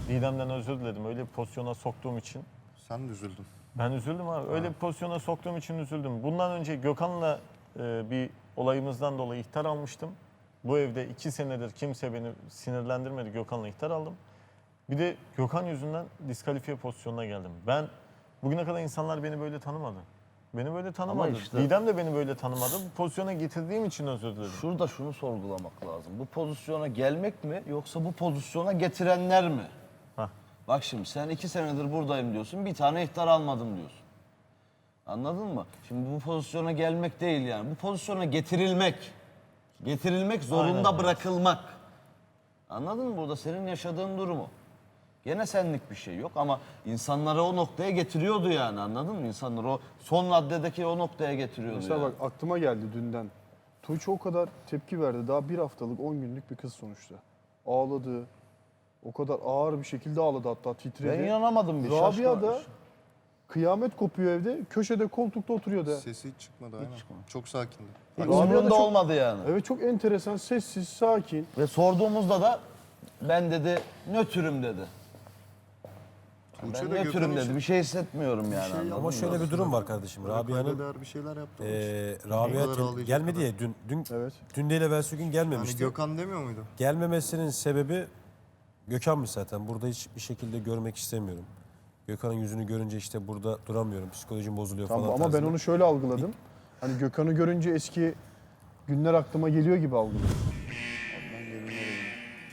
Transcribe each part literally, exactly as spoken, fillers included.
Didem'den özür diledim. Öyle bir pozisyona soktuğum için. Sen de üzüldün. Ben üzüldüm abi. Öyle bir pozisyona soktuğum için üzüldüm. Bundan önce Gökhan'la e, bir olayımızdan dolayı ihtar almıştım. Bu evde iki senedir kimse beni sinirlendirmedi. Gökhan'la ihtar aldım. Bir de Gökhan yüzünden diskalifiye pozisyonuna geldim. Ben bugüne kadar insanlar beni böyle tanımadı. Beni böyle tanımadı. işte- Didem de beni böyle tanımadı. Bu pozisyona getirdiğim için özür dilerim. Şurada şunu sorgulamak lazım. Bu pozisyona gelmek mi yoksa bu pozisyona getirenler mi? Hah. Bak şimdi sen iki senedir buradayım diyorsun, bir tane ihtar almadım diyorsun. Anladın mı? Şimdi bu pozisyona gelmek değil yani. Bu pozisyona getirilmek. Getirilmek zorunda Aynen. bırakılmak. Anladın mı? Burada senin yaşadığın durumu. Gene senlik bir şey yok ama insanları o noktaya getiriyordu yani, anladın mı? İnsanları o son raddedeki o noktaya getiriyordu Mesela yani. bak aklıma geldi dünden. Tuğçe o kadar tepki verdi. Daha bir haftalık, on günlük bir kız sonuçta. Ağladı. O kadar ağır bir şekilde ağladı, hatta titredi. Ben inanamadım bir Rabia şaşkın- da kıyamet kopuyor evde. Köşede koltukta oturuyordu. Sesi hiç çıkmadı aynen. Çok sakindi. Rabia da Umurunda çok- olmadı yani. Evet, çok enteresan, sessiz, sakin. Ve sorduğumuzda da ben dedi nötrüm dedi. Tuğçe Ben de nötrüm Gökhan dedi. için Bir şey hissetmiyorum yani. şey anladın Ama mı? şöyle bir durum var kardeşim. Rabia'nın kaybeder bir şeyler yaptı. onun için. eee O Rabia kadar tel- ağlayacak gelmedi kadar. ya dün dün Evet. dün değil evvelsi gün Yani gelmemişti. Gökhan demiyor muydu? Gelmemesinin sebebi Gökhan'mış zaten. Burada hiçbir şekilde görmek istemiyorum. Gökhan'ın yüzünü görünce işte burada duramıyorum. Psikolojim bozuluyor Tamam, falan ama ben tarzında. onu şöyle algıladım. Hani Gökhan'ı görünce eski günler aklıma geliyor gibi algıladım. Ben gelinler evine.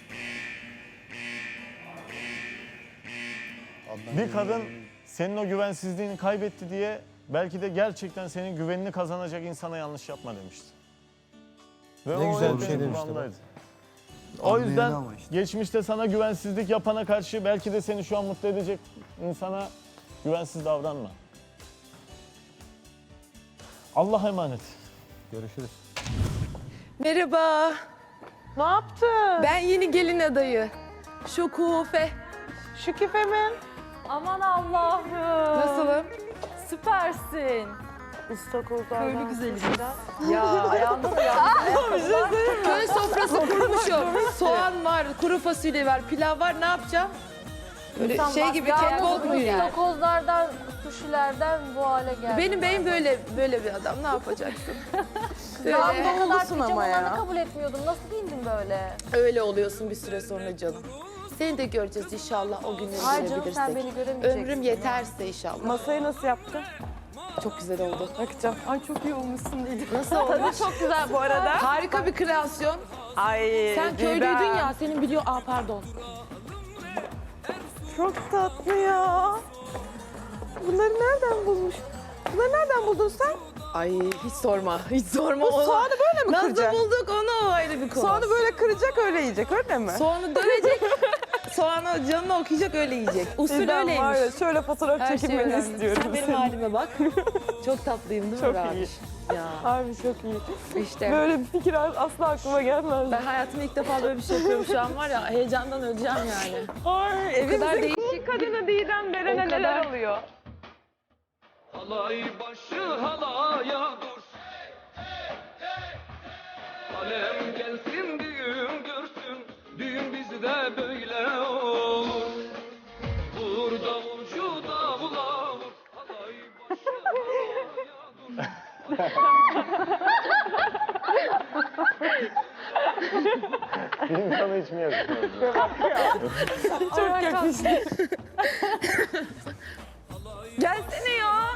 Adnan Bir gelinler kadın evine. senin o güvensizliğini kaybetti diye belki de gerçekten senin güvenini kazanacak insana yanlış yapma demişti. Ve Ne o güzel hep bir şey benim demişti kulağımdaydı. O Anlayın yüzden ama işte. geçmişte sana güvensizlik yapana karşı belki de seni şu an mutlu edecek insana güvensiz davranma. Allah'a emanet. Görüşürüz. Merhaba. Ne yaptın? Ben yeni gelin adayı. Şokufe. Şükife mi? Aman Allah'ım. Nasılım? Süpersin. İstakozlardan. Köylü güzeli. Ya ayağında da ya. Köy sofrası kurmuşum. Soğan var, kuru fasulye var, pilav var. Ne yapacağım? Böyle şey gibi catwalk mu yani? İstakozlardan, suşilerden bu hale geldi. Benim beyim böyle böyle bir adam. Ne yapacaksın? Ya Böyle, ne kadar olursun ama ya. pijamalarını kabul etmiyordum. Nasıl giyindin böyle? Öyle oluyorsun bir süre sonra canım. Seni de göreceğiz inşallah o günleri Ay canım görebilirsek. sen beni göremeyeceksin. Ömrüm yeterse inşallah. Masayı nasıl yaptın? Çok güzel oldu. Bakacağım. Ay çok iyi olmuşsun diyeceğim. Nasıl olmuş? Çok güzel bu arada. Harika bir kreasyon. Ay Sen köylüydün ya, senin biliyor... Aa pardon. Çok tatlı ya. Bunları nereden bulmuş? Bunları nereden buldun sen? Ay hiç sorma, hiç sorma. Bu onu. soğanı böyle mi Nasıl kıracak? bulduk onu, o ayrı bir konu. Soğanı böyle kıracak öyle yiyecek öyle mi? Soğanı dövecek, soğanı canını okuyacak öyle yiyecek. Usul Ben öyleymiş. var ya şöyle fotoğraf Her şey çekilmeni önemli. istiyorum. Sen benim senin. halime bak. Çok tatlıyım değil mi Çok Rabiş? iyi. Ya Harbi çok iyi. işte. Böyle bir fikir asla aklıma gelmez. Ben hayatımda ilk defa böyle bir şey yapıyorum şu an var ya, heyecandan öleceğim yani. Ay, evimizin kadar değişik. kadını Didem Beren'e O kadar. neler oluyor? Halay başı halaya dur. Alem gelsin düğün görsün. Düğün bizde böyle olur. Vur davulcu davula vur. Halay başı halaya dur. Bir insana hiç mi yakışmıyor? Çok yakıştı. Gelsene ya.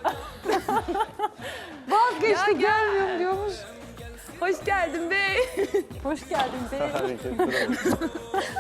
Vazgeçti gelmiyorum diyormuş. Hoş geldin bey. Hoş geldin bey. Hareketler oldu.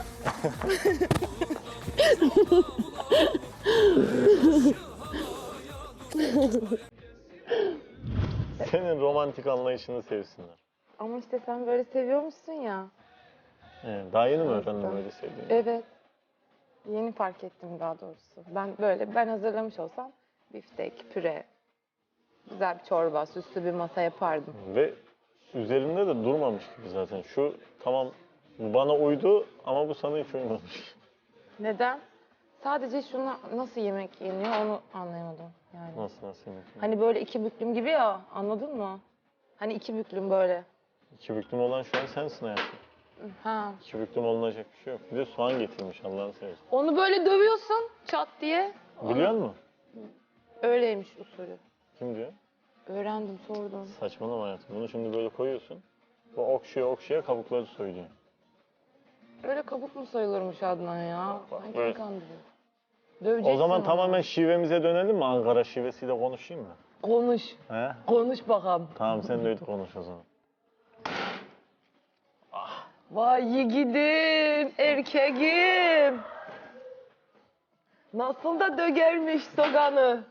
Senin romantik anlayışını sevsinler. Ama işte sen böyle seviyormuşsun ya. Evet, daha yeni mi öğrendin öyle sevdiğini? Evet. Yeni fark ettim daha doğrusu. Ben böyle ben hazırlamış olsam biftek, püre, güzel bir çorba, süslü bir masa yapardım. Ve üzerinde de durmamış gibi zaten. Şu tamam bu bana uydu ama bu sana hiç uymamış. Neden? Sadece şunu nasıl yemek yeniyor onu anlayamadım yani. Nasıl nasıl yemek? Hani böyle iki büklüm gibi ya, anladın mı? Hani iki büklüm böyle. İki büklüm olan şu an sensin hayatım. Ha. İki büklüm olunacak bir şey yok. Bir de soğan getirmiş Allah'ını seversen. Onu böyle dövüyorsun çat diye. Biliyor musun? Öyleymiş usulü. Kim diyor? Öğrendim, sordum. Saçmalama hayatım. Bunu şimdi böyle koyuyorsun. Bu okşaya okşaya kabukları soyuyor. Öyle kabuk mu sayılırmış Adnan ya? Ay, böyle. kim kandırıyor? Döveceksin O zaman onu. tamamen şivemize dönelim mi? Ankara şivesiyle konuşayım mı? Konuş. He? Konuş bakalım. Tamam sen de öyle konuş o zaman. Vay yiğidim, erkeğim. Nasıl da dögermiş soğanı.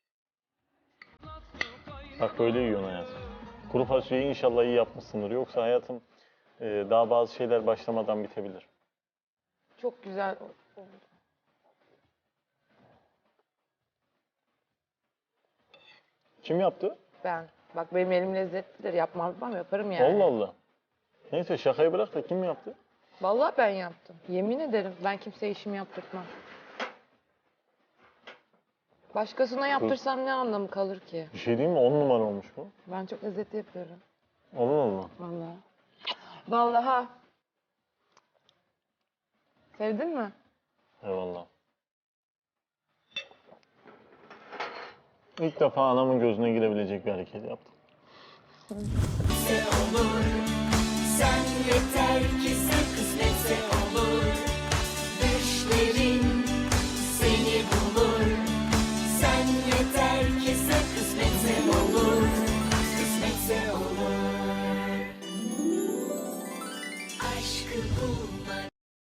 Bak böyle yiyorsun hayatım. Kuru fasulyeyi inşallah iyi yapmışsındır. Yoksa hayatım e, daha bazı şeyler başlamadan bitebilir. Çok güzel oldu. Kim yaptı? Ben. Bak benim elim lezzetlidir. Yapmam yapmam yaparım yani. Allah Allah. Neyse şakayı bırak da kim yaptı? Vallahi ben yaptım. Yemin ederim ben kimseye işimi yaptırtmam. Başkasına yaptırsam ne anlamı kalır ki? Bir şey değil mi? On numara olmuş bu. Ben çok lezzetli yapıyorum. Allah Allah. Vallahi. Vallahi. Sevdin mi? Eyvallah. İlk defa anamın gözüne girebilecek bir hareket yaptım. Sen yeter ki sen kısmetse olur.